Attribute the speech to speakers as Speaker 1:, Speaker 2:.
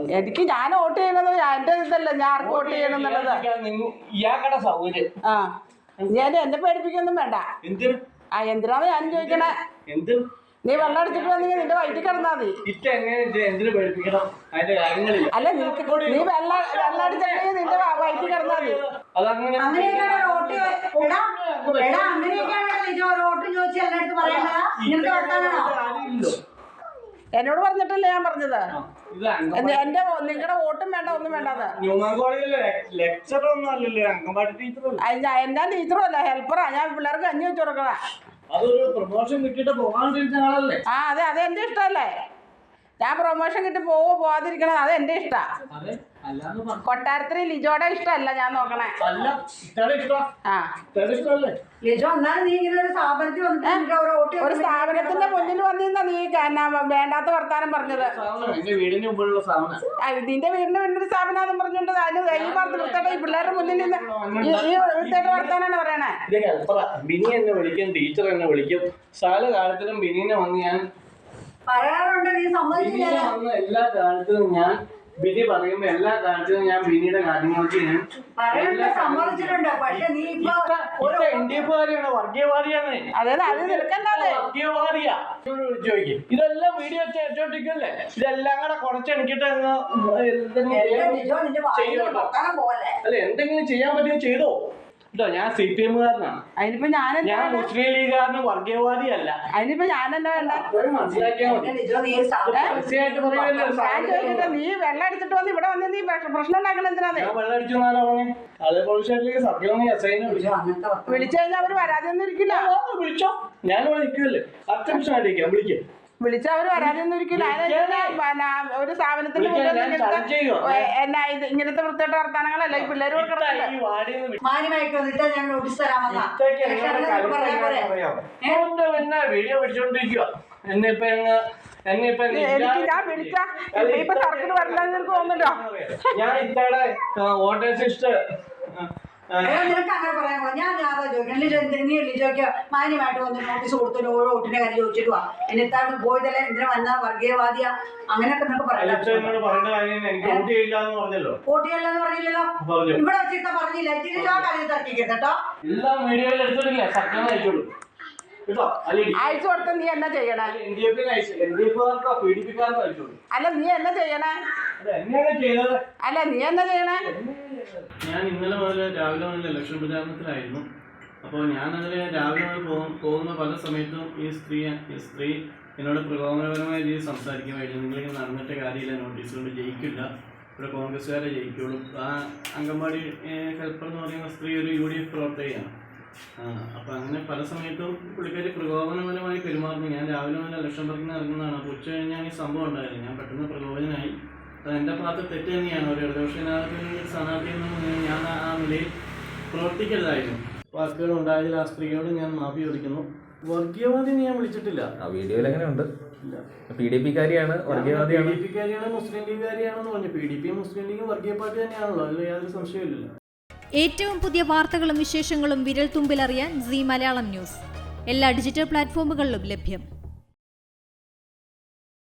Speaker 1: എനിക്ക് ഞാൻ വോട്ട് ചെയ്യണത് എന്റെ ഇതല്ല, ഞാൻ ആർക്ക് വോട്ട് ചെയ്യണമെന്നുള്ളത്.
Speaker 2: ഇയാളുടെ സൗകര്യം.
Speaker 1: ആ ഞാൻ എന്നെ പേടിപ്പിക്കൊന്നും വേണ്ട. എന്തിനാണ് ഞാൻ ചോദിക്കണേ? നീ വെള്ളം അടിച്ചിട്ട് വന്നെങ്കിൽ നിന്റെ വയറ്റിൽ കിടന്നാ മതി. അല്ല നീ വെള്ളം അടിച്ചിട്ടുണ്ടെങ്കിൽ നിന്റെ വയറ്റിൽ കിടന്നാ മതി. എന്നോട് പറഞ്ഞിട്ടല്ലേ ഞാൻ പറഞ്ഞത്. എന്റെ നിങ്ങളുടെ വോട്ടും വേണ്ട, ഒന്നും വേണ്ടത്. എന്നാ ടീച്ചറും അല്ല, ഹെൽപ്പറാ. ഞാൻ പിള്ളേർക്ക് കഞ്ഞി വെച്ച് കൊടുക്കണ. ആ അതെ, അത് എന്റെ ഇഷ്ടമല്ലേ. ഞാൻ പ്രൊമോഷൻ കിട്ടി പോവാതിരിക്കണത് അത് എന്റെ ഇഷ്ടാ. കൊട്ടാരത്തിൽ ലിജോയുടെ ഇഷ്ടമല്ല ഞാൻ നോക്കണേ. ഒരു സ്ഥാപനത്തിന്റെ മുന്നിൽ വന്നിരുന്ന നീ വേണ്ടാത്ത വർത്താനം പറഞ്ഞത്. നിന്റെ വീടിന്റെ മുന്നിൽ സ്ഥാപനം പറഞ്ഞോണ്ട് അതിന് ഈ പറഞ്ഞ വൃത്തിയായിട്ട് ഈ പിള്ളേരുടെ മുന്നിൽ നിന്ന് ഈ വൃത്തിയായിട്ട് വർത്താനാണ് പറയണേ.
Speaker 2: ബിനി എന്നെ വിളിക്കും, ടീച്ചർ എന്നെ വിളിക്കും. പല കാലത്തിലും ബിനിനെ വന്ന് ഞാൻ
Speaker 3: പറയാറുണ്ട്. നീ സമ്മതിച്ചില്ല.
Speaker 2: എല്ലാ കാലത്തിലും ഞാൻ ബിനി പറയുമ്പോ എല്ലാ കാലത്തിലും ഞാൻ ബിനിയുടെ കാര്യങ്ങൾക്ക് ഞാൻ
Speaker 3: സമ്മതിച്ചിട്ടുണ്ട്. പക്ഷെ നീ
Speaker 2: ഇന്ത്യക്കാരിയാണ്, വർഗീയവാദിയാണ്. വർഗീയവാദിയാ. ചോദിക്കും ഇതെല്ലാം വീഡിയോ വെച്ചോണ്ടിരിക്കല്ലേ? ഇതെല്ലാം കൂടെ കുറച്ചെടുക്കിട്ട് അല്ല എന്തെങ്കിലും ചെയ്യാൻ പറ്റുമോ ചെയ്തോ. ഞാൻ CPM കാരനാണ്.
Speaker 1: അതിനിപ്പോ ഞാൻ
Speaker 2: മുസ്ലിം ലീഗുകാരന് വർഗീയവാദിയല്ല.
Speaker 1: അതിനിപ്പോ ഞാനെന്താ വേണ്ട
Speaker 2: മനസ്സിലാക്കിയാൽ മതി.
Speaker 1: നീ വെള്ളം അടിച്ചിട്ട് വന്ന് ഇവിടെ വന്ന് നീ പ്രശ്നം ഉണ്ടാക്കണം. എന്തിനാ
Speaker 2: വെള്ളം അടിച്ചു
Speaker 1: വിളിച്ചു കഴിഞ്ഞാൽ അവര് വരാതെയൊന്നും ഇരിക്കില്ല.
Speaker 2: വിളിച്ചോ, ഞാൻ വിളിക്കുമല്ലേ. 10 നിമിഷം അടിക്കാം, വിളിക്കും.
Speaker 1: വിളിച്ച അവര് വരാതെയൊന്നും ഇരിക്കില്ല. ഒരു സ്ഥാപനത്തിന്റെ എന്നാ ഇത് ഇങ്ങനത്തെ വൃത്തിയായിട്ട് വർത്താനങ്ങളല്ല ഈ പിള്ളേര്
Speaker 2: വീഡിയോ പിടിച്ചോണ്ടിരിക്കുക. എന്നിപ്പോ
Speaker 1: എനിക്ക് ഞാൻ വിളിച്ച ഇപ്പൊ സർക്കിട്ട് വരില്ലെന്ന് എനിക്ക് തോന്നുന്നുണ്ടോ?
Speaker 2: ഞാൻ ഇത്തടെ വോട്ടേഴ്സ് ലിസ്റ്റ്
Speaker 3: നിനക്ക് അങ്ങനെ പറയാൻ പോകാം. ഞാൻ ചോദിക്കണം. ലിജോയ്ക്ക് മാന്യമായിട്ട് വന്ന് നോട്ടീസ് കൊടുത്തു വോട്ടിന്റെ കാര്യം ചോദിച്ചിട്ട് വാ. എന്നിട്ടാണ് പോയതല്ലേ എന്തിനാ വന്ന വർഗീയവാദിയ അങ്ങനെയൊക്കെ നിനക്ക് പറയാം. വോട്ട് ചെയ്യില്ലെന്ന് പറഞ്ഞില്ലല്ലോ. ഇവിടെ വെച്ചിട്ട് പറഞ്ഞില്ല. ആ കാര്യം തർക്കിക്കരുത് കേട്ടോ.
Speaker 2: എല്ലാം വീഡിയോയിൽ എടുത്തിട്ടില്ല. സത്യം അയച്ചോളൂ.
Speaker 1: അയച്ചു കൊടുത്ത നീ എന്നാ ചെയ്യണേ? അല്ല നീ എന്നാ ചെയ്യണേ? അല്ല നീ എന്നാ ചെയ്യണേ?
Speaker 2: ഞാൻ ഇന്നലെ മുതൽ രാവിലെ മുതൽ ഇലക്ഷൻ പ്രചാരണത്തിലായിരുന്നു. അപ്പോൾ ഞാനതിൽ രാവിലെ മുതൽ പോകുന്ന പല സമയത്തും ഈ സ്ത്രീ എന്നോട് പ്രകോപനപരമായ രീതിയിൽ സംസാരിക്കുമായിരുന്നു. നിങ്ങളിങ്ങനെ നടന്നിട്ട് കാര്യമില്ല, നോട്ടീസ് കൊണ്ട് ജയിക്കില്ല, ഇവിടെ കോൺഗ്രസ്സുകാരെ ജയിക്കുള്ളൂ. ആ അംഗൻവാടി ഹെൽപ്പർ എന്ന് പറയുന്ന സ്ത്രീ ഒരു UDF പ്രവർത്തകയാണ്. അപ്പം അങ്ങനെ പല സമയത്തും പുള്ളിക്കാരി പ്രകോപനപരമായി പെരുമാറുന്നു. ഞാൻ രാവിലെ മുതൽ ഇലക്ഷൻ വർക്കിന് ഇറങ്ങുന്നതാണ്. അപ്പോൾ ഉച്ച കഴിഞ്ഞാൽ ഈ സംഭവം ഉണ്ടായിരുന്നു. ഞാൻ പെട്ടെന്ന് പ്രകോപനമായി. അത് എൻ്റെ ഭാഗത്ത് തെറ്റ് തന്നെയാണ്. ഒരു ഇടതുപക്ഷ സ്ഥാനാർത്ഥിയിൽ നിന്ന് ഞാൻ ആ നിലയിൽ പ്രവർത്തിക്കരുതായിരുന്നു. വാക്കുകൾ ഉണ്ടായതിൽ ആ സ്ത്രീയോട് ഞാൻ മാഫി ചോദിക്കുന്നു. വർഗീയവാദി ഞാൻ വിളിച്ചിട്ടില്ല.
Speaker 4: വീഡിയോയിൽ എങ്ങനെയുണ്ട്? PDP-കാരിയാണ്, വർഗീയവാദിയാണ്,
Speaker 2: PDP-കാരിയാണ്, മുസ്ലിം ലീഗുകാരിയാണെന്ന് പറഞ്ഞു. PDP മുസ്ലിം ലീഗും വർഗീയ പാർട്ടി തന്നെയാണല്ലോ, അതിൽ യാതൊരു സംശയമില്ല.
Speaker 5: ഏറ്റവും പുതിയ വാർത്തകളും വിശേഷങ്ങളും വിരൽ തുമ്പിലറിയാൻ Zee മലയാളം ന്യൂസ് എല്ലാ ഡിജിറ്റൽ പ്ലാറ്റ്ഫോമുകളിലും ലഭ്യം.